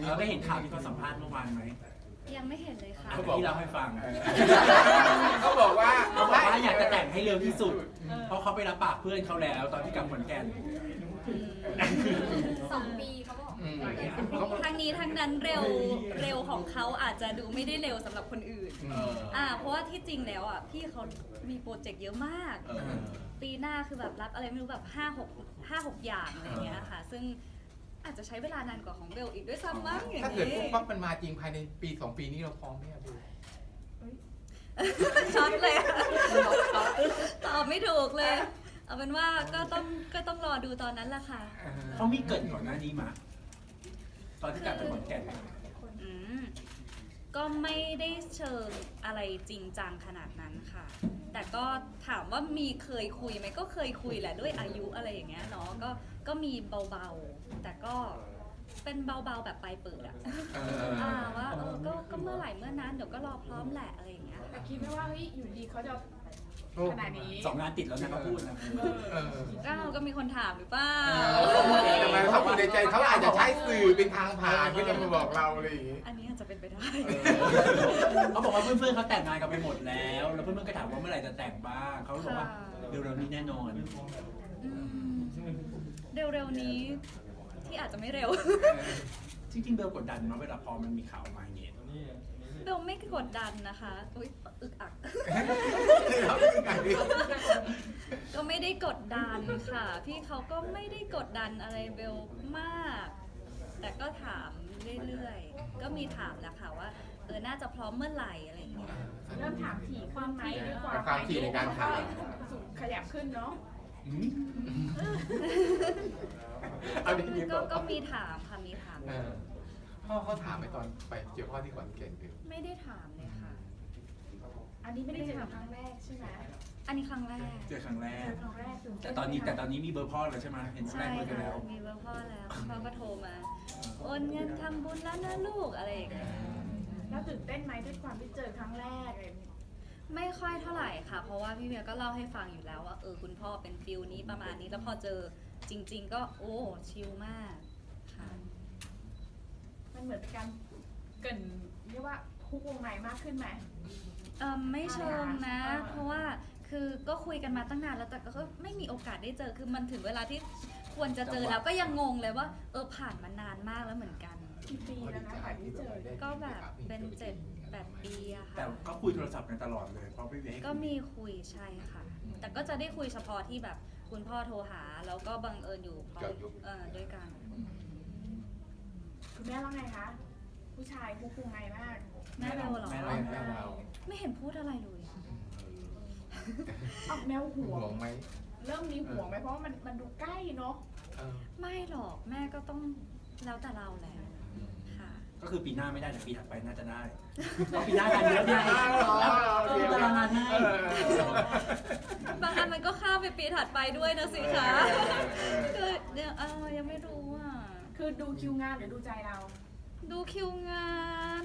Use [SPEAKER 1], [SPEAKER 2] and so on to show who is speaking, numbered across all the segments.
[SPEAKER 1] เราได้เห็นข่าวที่เขาสัมภาษณ์เมื่อวานไหม
[SPEAKER 2] ยังไม่เห็นเลยค่ะ
[SPEAKER 1] ที่เราให้ฟัง
[SPEAKER 3] เขาบอกว่า
[SPEAKER 1] อยากจะแต่งให้เร็วที่สุด เพราะเขาไปรับปากเพื่อนเขาแล้วตอนที่กลับขอนแก่น
[SPEAKER 2] 2 ปีเขาบอกทางนี้ทางนั้นเร็วของเขาอาจจะดูไม่ได้เร็วสำหรับคนอื่นเพราะว่าที่จริงแล้วพี่เขามีโปรเจกต์เยอะมากปีหน้าคือแบบรับอะไรไม่รู้แบบ5-6 อย่างอะไรเงี้ยค่ะซึ่งอาจจะใช้เวลานานกว่าของเบลอีกด้วยซ้ำมั้งอย่างนี้
[SPEAKER 3] ถ้าเกิดปุ๊บปั๊บมันมาจริงภายในปี2 ปีนี้เราพร้อมไหมครับพี่
[SPEAKER 2] ช็อตเลยตอบไม่ถูกเลย เอาเป็นว่าก็ต้องรอดูตอนนั้นแหละค่ะ
[SPEAKER 1] เขามีเกิดก่อนหน้านี้มาตอนที่กลับไปขอนแก่น
[SPEAKER 2] ก็ไม่ได้เชิงอะไรจริงจังขนาดนั้นค่ะ แต่ก็ถามว่ามีเคยคุยไหมก็เคยคุยแหละด้วยอายุอะไรอย่างเงี้ยเนาะก็มีเบาๆแต่ก็เป็นเบาๆแบบปลายเปิดว่าก็เมื่อไหร่เมื่อนั้นเดี๋ยวก็รอพร้อมแหละอะไรอย่างเงี้ย
[SPEAKER 4] แต่คิดไม่ว่าเฮ้ยอยู่ดีเขาจะขนาดนี้
[SPEAKER 1] 2 งานติดแล้วนะเขาพูดนะ
[SPEAKER 2] ก็มีคนถามหรือเปล่า
[SPEAKER 3] ทำไมเขาอยู่ในใจเขาอาจจะใช้สื่อเป็นทางผ่านเพื่อจะมาบอกเราอะไรอย่างงี้
[SPEAKER 2] อันนี้อาจจะเป็นไปได้
[SPEAKER 1] เขาบอกว่าเพื่อนๆเขาแต่งงานกันไปหมดแล้วเพื่อนๆก็ถามว่าเมื่อไหร่จะแต่งบ้างเขาบอกว่าเร็วๆนี้แน่นอน
[SPEAKER 2] เร็วๆนี้ที่อาจจะไม่เร็ว
[SPEAKER 1] จริงๆเบลกดดันมาเวลาพอมันมีข่าวมาอย่างเงี้ย
[SPEAKER 2] เบลไม่กดดันนะคะอุ๊ยอึกอัก ก็ไม่ได้กดดันค่ะ พี่เขาก็ไม่ได้กดดันอะไรเบลมาก แต่ก็ถามเรื่อยๆ ก็มีถามแหละค่ะว่าน่าจะพร้อมเมื่อไหร่อะไรอย่างเงี้ย
[SPEAKER 4] เริ่มถามถี่ขึ้นไหมด้วยความ
[SPEAKER 3] ความถี่ในการถาม
[SPEAKER 4] สูงขยับขึ้นเนาะ
[SPEAKER 2] ก็มีถามค่ะมีถาม
[SPEAKER 3] พ่อเขาถามไปตอนไปเจอพ่อที่ขอนแก่นคือ
[SPEAKER 2] ไม่ได้ถามเลยค่ะ
[SPEAKER 4] อันนี้ไม่ได้เจอครั้งแรกใช่ไหม
[SPEAKER 2] อันนี้ครั้งแรก
[SPEAKER 1] เจอครั้งแรก
[SPEAKER 4] ครั้งแรก
[SPEAKER 1] แต่ตอนนี้มีเบอร์พ่อแล้วใช่ไหมเห็นแร
[SPEAKER 2] ใช่
[SPEAKER 1] กเบอร์กัน
[SPEAKER 2] ค่ะ
[SPEAKER 1] แล้ว
[SPEAKER 2] มีเบอร์พ่อแล้วพ่อก็โทรมาโอนเงินทำบุญแล้วนะลูกอะไรอย่างเงี้ย
[SPEAKER 4] แล้วตื่นเต้นไหมด้วยความที่เจอครั้งแรกอะไรอย่างเงี้ย
[SPEAKER 2] ไม่ค่อยเท่าไหร่ค่ะ เพราะว่าพี่เมียก็เล่าให้ฟังอยู่แล้วว่าคุณพ่อเป็นฟิลนี้ประมาณนี้แล้วพอเจอจริง ๆ ก็โอ้ชิลมากค่ะ
[SPEAKER 4] มันเหมือนเป็นการเกรินเรียกว่าคุกวงในมากขึ้นไหม
[SPEAKER 2] ไม่เชิงนะ
[SPEAKER 4] อ่า
[SPEAKER 2] เพราะว่าคือก็คุยกันมาตั้งนานแล้วแต่ก็ไม่มีโอกาสได้เจอคือมันถึงเวลาที่ควรจะเจอแล้วก็ยังงงเลยว่าผ่านมานานมากแล้วเหมือนกัน
[SPEAKER 4] กี่ปีแล้วนะผ่านที่เจอ
[SPEAKER 2] ก็แบบเป็น7-8 ปีอะค่ะ
[SPEAKER 1] แต่ก็คุยโทรศัพท์กันตลอดเลยเพราะพี่เวให้
[SPEAKER 2] ก็มีคุยใช่ค่ะ แต่ก็จะได้คุยเฉพาะที่แบบคุณพ่อโทรหาแล้วก็บังเอิญอยู่พร้อมด้วยกัน
[SPEAKER 4] คุณแม่ว่าไงคะ ผู้ชายคุกวงในมาก
[SPEAKER 2] แม่เบลเหรอ
[SPEAKER 3] แม่เรา
[SPEAKER 2] ไม่เห็นพูดอะไรเลย
[SPEAKER 4] ออกแนวห่
[SPEAKER 3] ห่
[SPEAKER 4] ว
[SPEAKER 3] ว
[SPEAKER 4] ง
[SPEAKER 3] งไหม
[SPEAKER 4] เริ่มมีห่วงไหมเพราะว่ามันดูใกล้เนาะ
[SPEAKER 2] ไม่หรอกแม่ก็ต้องแล้วแต่เราแหละค่ะ
[SPEAKER 1] ก็คือปีหน้าไม่ได้แต่ปีถัดไปน่าจะได้เพราะปีหน้างานเยอะไงตารางงานให้
[SPEAKER 2] บางอันมันก็ข้ามไปปีถัดไปด้วยนะสิคะคือเดี๋ยวยังไม่รู้อ่ะ
[SPEAKER 4] คือดูคิวงานหรือดูใจเรา
[SPEAKER 2] ดูคิวงาน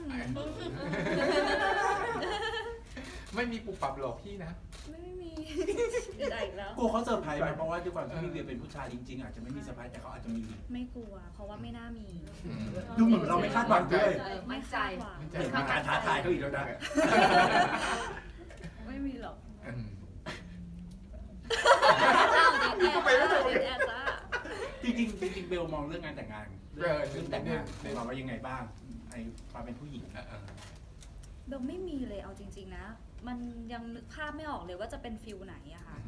[SPEAKER 3] ไม่มีปุบปับหลอกพี่นะ
[SPEAKER 2] ไม่มีอีกแล้ว
[SPEAKER 1] กลัวเขาเซอร์ไพรส์ไหมเพราะว่าด้วยความที่พี่เวียเป็นผู้ชายจริงๆอาจจะไม่มีเซอร์ไพรส์แต่เขาอาจจะมี
[SPEAKER 2] ไม่กลัว เพราะว่าไม่น่ามี
[SPEAKER 1] ดูเหมือนเราไม่คาดหวังด้วย
[SPEAKER 2] ไม่คาดหวัง
[SPEAKER 1] เห็นมีการท้าทายเขาอีกแล้วนะ
[SPEAKER 2] ไม่มีหรอก
[SPEAKER 3] อืม
[SPEAKER 2] อ้าวเด็กแอร์จ้า
[SPEAKER 1] จริงๆเบลมองเรื่องงานแต่งงานเรื่องแต่งงานมองว่ายังไงบ้างไอ้ความเป็นผู้หญิง
[SPEAKER 2] เบลไม่มีเลยเอาจริงๆนะ มันยังนึกภาพไม่ออกเลยว่าจะเป็นฟิลไหนอะค่ะ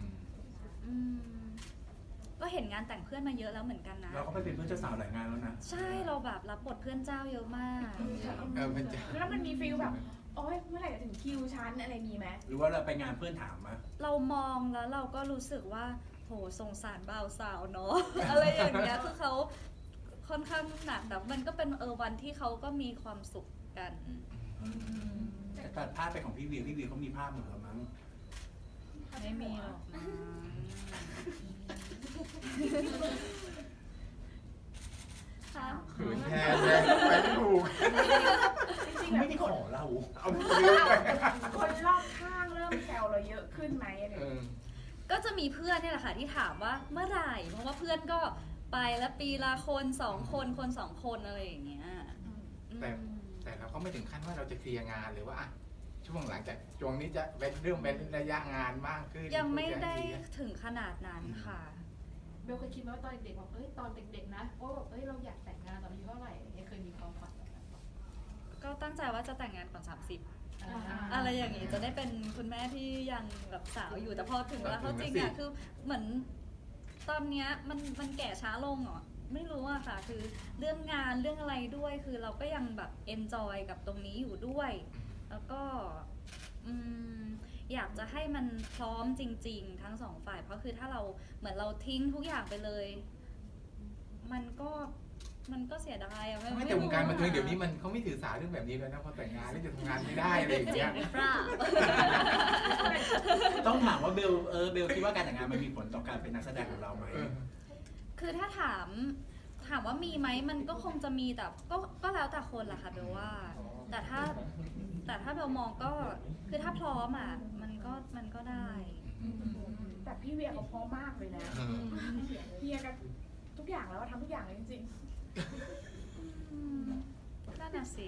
[SPEAKER 2] ก็เห็นงานแต่งเพื่อนมาเยอะแล้วเหมือนกันนะ
[SPEAKER 1] เราก็ไปเป็นเพื่อนเจ้าสาวหลายงานแล้วนะ
[SPEAKER 2] ใช่เราแบบรับบทเพื่อนเจ้าเยอะมาก
[SPEAKER 3] มันจะ
[SPEAKER 4] แล้วมันมีฟีลแบบ โอ๊ยเมื่อไหร่จะถึงคิวฉันอะไรมีไหม
[SPEAKER 1] หรือว่าเราไปงานเพื่อนถามมา
[SPEAKER 2] เรามองแล้วเราก็รู้สึกว่าโหสงสารบ่าวสาวเนาะ อะไรอย่างเงี้ยคือเขาค่อนข้างหนักแต่มันก็เป็นวันที่เขาก็มีความสุขกัน
[SPEAKER 1] แต่ตัดภาพไปของพี่เวียเขามีภาพเหมือนกันมั้ง
[SPEAKER 2] ไม่มีหรอกนะ ค่ะ
[SPEAKER 3] เขินแทนเลยไปไม่ถูก
[SPEAKER 4] จริง
[SPEAKER 1] เขา
[SPEAKER 4] ๆแบ
[SPEAKER 1] ไม่
[SPEAKER 4] บ
[SPEAKER 1] ได้ขอเรา
[SPEAKER 3] เอาลืมไป
[SPEAKER 4] คนรอบข้างเริ่มแซวเราเยอะขึ้นไหมอะไรอย่างเงี้ย
[SPEAKER 2] ก็จะมีเพื่อนเนี่ยแหละค่ะที่ถามว่าเมื่อไหร่เพราะว่าเพื่อนก็ไปแล้วปีละคน2 คน2 คนอะไรอย่างเงี้ย
[SPEAKER 3] แต่เราก็ไม่ถึงขั้นว่าเราจะเคลียร์งานหรือว่าอ่ะช่วงหลังจากช่วงนี้จะเรื่องเป็นระยะงานมากขึ้น
[SPEAKER 2] ยังไม่ได้ถึงขนาดนั้นค่ะ
[SPEAKER 4] เบลเคยคิดไหมว่าตอนเด็กๆบอกตอนเด็กๆนะว่าแบบเราอยากแต่งงานตอนอายุเท่าไหร่ยังเคยมีความฝันแบบนั้นปะ
[SPEAKER 2] ก็ตั้งใจว่าจะแต่งงานก่อน 30
[SPEAKER 4] อ่า
[SPEAKER 2] อะไรอย่างงี้จะได้เป็นคุณแม่ที่ยังแบบสาวอยู่แต่พอถึงเวลาเขาจริงอะคือเหมือนตอนเนี้ยมันแก่ช้าลงเหรอไม่รู้อะค่ะ คือเรื่องงานเรื่องอะไรด้วยคือเราก็ยังแบบเอนจอยกับตรงนี้อยู่ด้วย แล้วก็อยากจะให้มันพร้อมจริง ๆ ทั้งสองฝ่ายเพราะคือถ้าเราเหมือนเราทิ้งทุกอย่างไปเลย มันก็เสียดายอะ
[SPEAKER 3] ไม่แต่วงการบันเทิงเดี๋ยวนี้มันเขาไม่ถือสาเรื่องแบบนี้แล้วนะพอแต่งงานแล้วจะทำงานไม่ได้อะไรอย่าง
[SPEAKER 2] จริ
[SPEAKER 3] เงี้
[SPEAKER 2] ง
[SPEAKER 3] ย
[SPEAKER 2] หรือเปล่า
[SPEAKER 1] ต้องถามว่าเบลคิดว่าการแต่งงานมันมีผลต่อการเป็นนักแสดงของเราไหม
[SPEAKER 2] คือถ้าถามว่ามีไหมมันก็คงจะมีแต่ก็แล้วแต่คนแหละค่ะเบลว่า แต่ถ้าเบลมองก็คือถ้าพร้อมอ่ะมันก็ได้
[SPEAKER 4] แต่พี่เวียเขาพร้อมมากเลยนะเฮียกันทุกอย่างแล้วทำทุกอย่างเลยจริง
[SPEAKER 2] นั่นน่ะสิ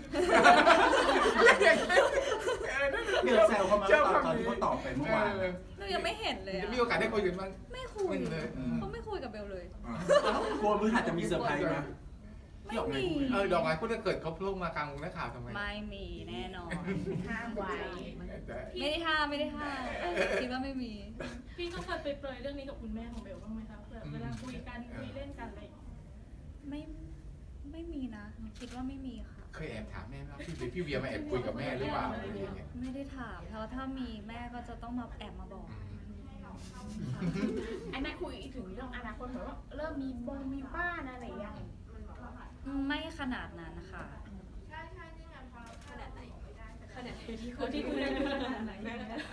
[SPEAKER 1] เบลแซวเขามาตอนที่เขาตอบไปเมื่อวาน
[SPEAKER 2] หนูยังไม่เห็นเลย
[SPEAKER 3] จะ
[SPEAKER 2] อะ
[SPEAKER 3] มีโอกาสได้คุยกันบ้าง
[SPEAKER 2] ไม่คุย
[SPEAKER 3] เลย
[SPEAKER 2] เขาไม่คุยกับเบลเลย
[SPEAKER 1] กลัวมือหัดจะมีเซอร์ไพรส์ไหม
[SPEAKER 2] ไม่มี
[SPEAKER 3] ดอกไม้พูดถ้าเกิดเขาพลุกมากลางวงนักข่าวทำไม
[SPEAKER 2] ไม่มีแน่นอน
[SPEAKER 4] ๆห้ามไว้
[SPEAKER 2] ไม่ได้ห้ามคิดว่าไม่มี
[SPEAKER 5] พี่ก็เคยไปเปรยเรื่องนี้กับคุณแม่ของเบลบ้างไหมคะแบบเวลาคุยกันคุยเล่นกันอะไรอย่างเงี้ย
[SPEAKER 2] ไม่มีนะคิดว่าไม่มีค่ะ
[SPEAKER 3] เคยแอบถามแม่ว่าพี่เวียมาแอบคุยกับแม่หรือเปล่าอะไรอย่างเงี้ย
[SPEAKER 2] ไม่ได้ถามเพราะถ้ามีแม่ก็จะต้องมาแอบมาบอก
[SPEAKER 4] ไอ้แม่คุยถึงเรื่องอนาคตเหมือนว่าเริ่มมีบ้านอะไรอย่างเงี้ย
[SPEAKER 2] ไม่ขนาดนั้นค่ะ
[SPEAKER 5] ที่คุยกันขนาดไหน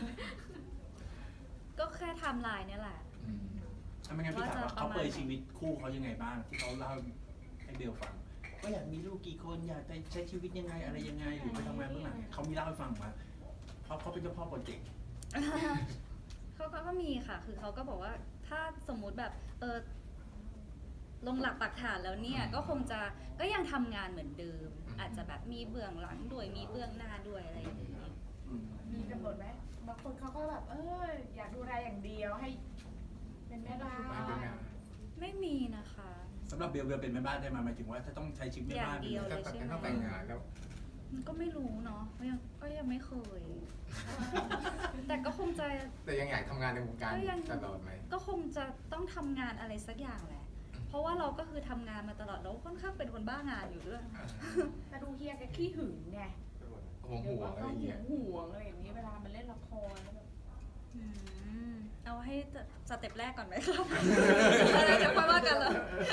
[SPEAKER 2] ก็แค่ไทม์ไลน์เนี่ยแหละ
[SPEAKER 1] ทำไมงั้นพี่ถามว่าเขาเปยชีวิตคู่เขายังไงบ้างที่เขาเล่าให้เบลฟังว่าอยากมีลูกกี่คนอยากใช้ชีวิตยังไงอะไรยังไงหรือไปทำงานเบื้องหลังเขามีเล่าให้ฟังมาเพราะเขาเป็นเจ้าพ่อโปรเจกต์
[SPEAKER 2] เขาก็มีค่ะ คือเขาก็บอกว่าถ้าสมมุติแบบลงหลักปักฐานแล้วเนี่ยก็ยังทำงานเหมือนเดิม อาจจะแบบมีเบื้องหลังด้วยมีเบื้องหน้าด้วยอะไรอย่างนี้
[SPEAKER 4] มีกำหนดไหมบางคนเขาก็แบบอยากดูแลอย่างเดียวให้เป็นแม่บ้าน
[SPEAKER 2] ไม่มีนะคะ
[SPEAKER 1] สำหรับเบลเป็นแม่บ้านได้มาหมายถึงว่าถ้าต้องใช้ชีวิตแม่บ้าน
[SPEAKER 2] อย่างเดียว
[SPEAKER 3] ถ้าต้องแต่งงานแล้ว
[SPEAKER 2] ก็ไม่รู้เนาะก็ยังไม่เคย แต่ก็คงจะ
[SPEAKER 3] แต่ยังอยากทำงานในวงการตลอดไหม
[SPEAKER 2] ก็คงจะต้องทำงานอะไรสักอย่างแหละ เพราะว่าเราก็คือทำงานมาตลอดแล้วค่อนข้างเป็นคนบ้างานอยู่ด้วย
[SPEAKER 4] แต่ดูเฮียแกขี้หึงไง
[SPEAKER 3] ห่วงอะไรอย่างเงี้ย
[SPEAKER 4] ห่วงอะไรอย่างนี้เวลามันเล่นละครแล้วแบบ
[SPEAKER 2] เอาให้สเต็ปแรกก่อนไหมครับ อะไรเดี๋ยวค่อยว่ากันเลย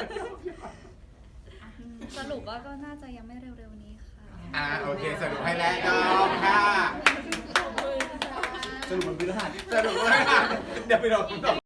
[SPEAKER 2] สรุปว่าก็น่าจะยังไม่เร็วๆนี้ค่ะ
[SPEAKER 3] โอเคสรุปให้แล้วน้องค่ะ
[SPEAKER 1] สรุปมันเป็นรหัส
[SPEAKER 3] สรุปว่าเดี๋ยวไปรอ